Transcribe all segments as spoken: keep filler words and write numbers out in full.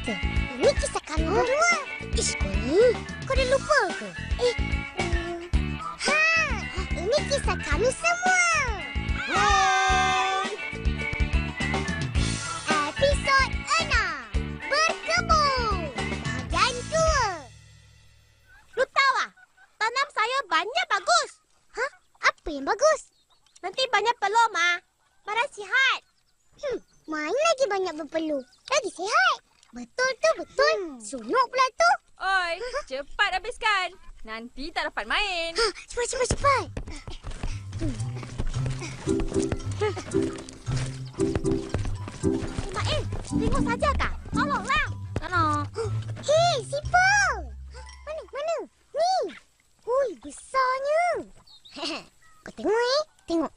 ke? Ini kisah kami berdua. Ish, kau ni. Kau dah lupa ke? Eh, um, ha, ini kisah kami semua. Hai. Episod enam. Berkebun. Bahagian dua. Lu tahu ah, tanam saya banyak bagus. Hah? Apa yang bagus? Nanti banyak peluh, Ma. Badan sihat. Hmm, mana lagi banyak berpeluh? Lagi sihat. Betul tu, betul. Hmm. Sunuk pula tu. Oi, cepat habiskan. Nanti tak dapat main. Ha, cepat, cepat, cepat. Ismail, tengok saja kah? Tolonglah. Tolong. Hei, siput. Mana, mana? Ni. Ui, besarnya. Kau tengok eh. Tengok.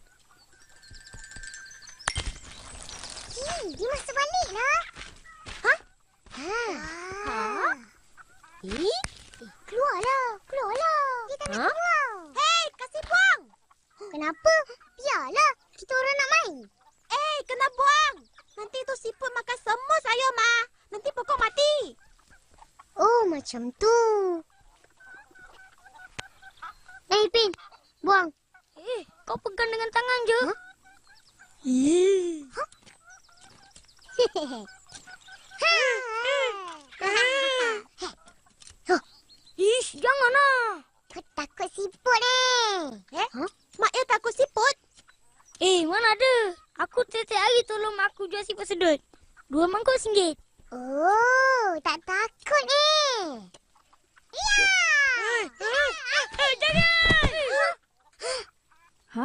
Hei, dia masuk balik lah. Ha? Ha? Ha? Eh? Eh, keluarlah. Keluarlah. Dia tak nak Ha? keluar. Hei, kasih buang. Kenapa? Biarlah. Kita orang nak main. Eh, kena buang. Nanti tu siput makan semua saya, Ma. Nanti pokok mati. Oh, macam tu. Eh, Pin. Buang. Eh, kau pegang dengan tangan je. Ha? Ih. Ish, janganlah. Kau takut siput eh? Eh? Ha? Mak El takut siput? Eh, mana ada? Aku setiap hari tolong mak aku jual siput sedut. Dua mangkuk singgit. Oh, tak takut eh? Ya! Eh, eh, jangan! Ha?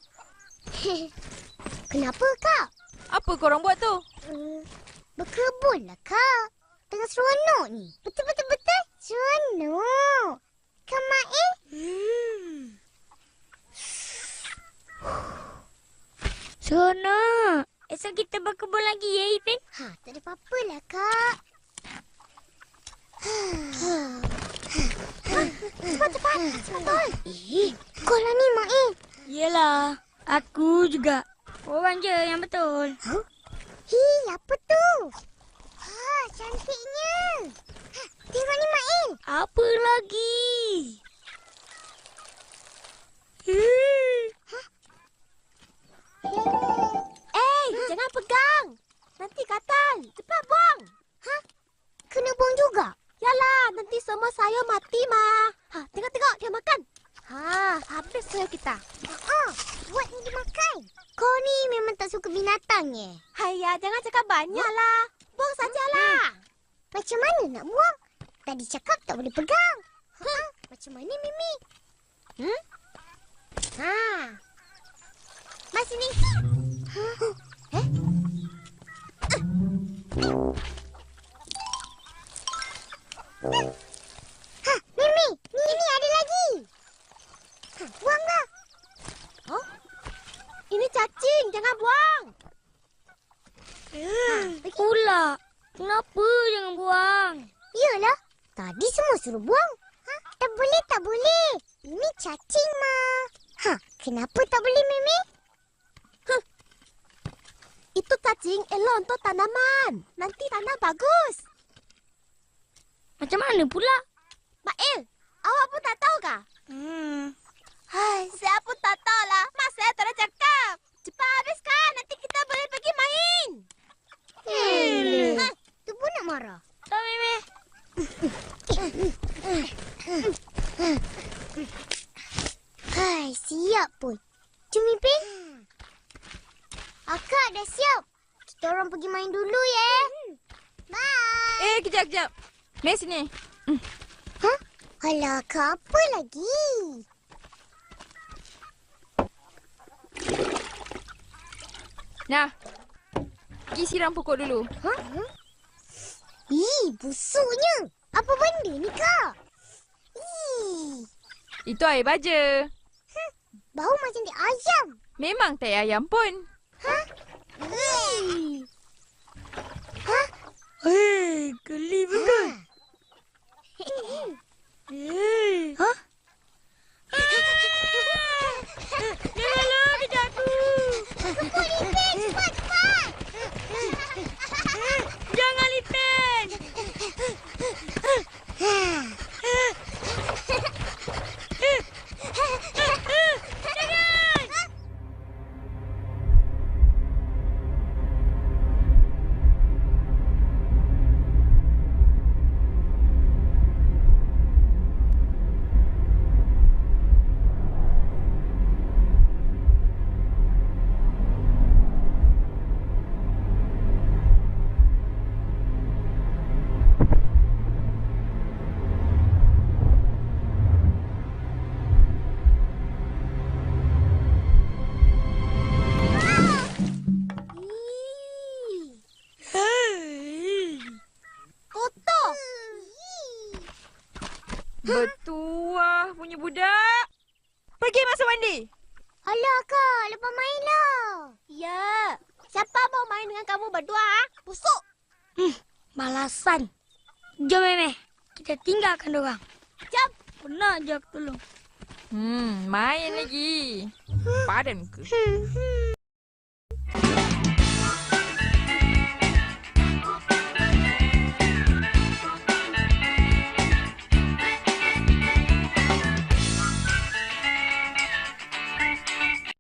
Kenapa kak? Apa korang buat tu? Uh, berkebunlah kak. Tengah seronok ni. Betul-betul-betul seronok. Kan Mak eh? Hmm. Seronok. Esok kita berkebun lagi ya, Ipin? Ha, tak ada apa-apa lah kak. Cepat-cepat. Cepat. Eh, kau lah ni Mak eh. Yelah, aku juga. Orang je yang betul. Huh? Hei, apa tu? Ha, cantiknya. Ha, tengok ni Mak eh. Apa lagi? Hmm. Eh, jangan pegang. Nanti gatal. Cepat buang. Ha? Kena buang juga? Yalah, nanti semua sayur mati, Ma. Ha, tengok-tengok dia makan. Ha, habis sayur kita. Ha, buat ni dimakan. Kau ni memang tak suka binatang eh? Hayya, jangan cakap banyaklah. Buang sajalah. Macam mana nak buang? Tadi cakap tak boleh pegang. Ha, macam mana Mimi? Hmm? Ha. Mas sini. Ha? Eh? Ha, Mimi, ni ni ada lagi. Ha, buanglah. Oh? Ini cacing, jangan buang. Hmm. Pula. Kenapa jangan buang? Yalah, tadi semua suruh buang. Ha, tak boleh, tak boleh. Ini cacing, Ma. Ha, kenapa tak boleh, Mimi? Huh. Itu cacing elok untuk tanaman. Nanti tanam bagus. Macam mana pula? Mael, awak pun tak tahu kah? Hmm. Hai, saya pun tak tahu lah. Mak saya tak ada cakap. Cepat habiskan, nanti kita boleh pergi main. Hmm. Ha, tu pun nak marah. Tak, Mimi. Hai, siap pun. Cumi Pin. Akak dah siap. Kita orang pergi main dulu ya. Bye. Eh, kejap, kejap. Mari sini. Ha? Alah, Kak, apa lagi? Nah. Pergi siram pokok dulu. Ha? Ih, busuknya. Apa benda ni, Kak? Ih, Itu air baja. bau macam di ayam. Memang tai ayam pun. Ha? Ih. Ha? Hei, geli betul. Hei. Ha? Janganlah kejap aku. Kepul Ipin, cepat, cepat. Jangan, Lipin. mandi. Alah, Kak. Lepas main lah. Ya. Siapa mau main dengan kamu berdua? ah? Busuk. Balasan. Jom, Meme. Kita tinggalkan dorang. Jom. Benar je aku tolong. Hmm, main lagi. Padan ke? Hmm, hmm.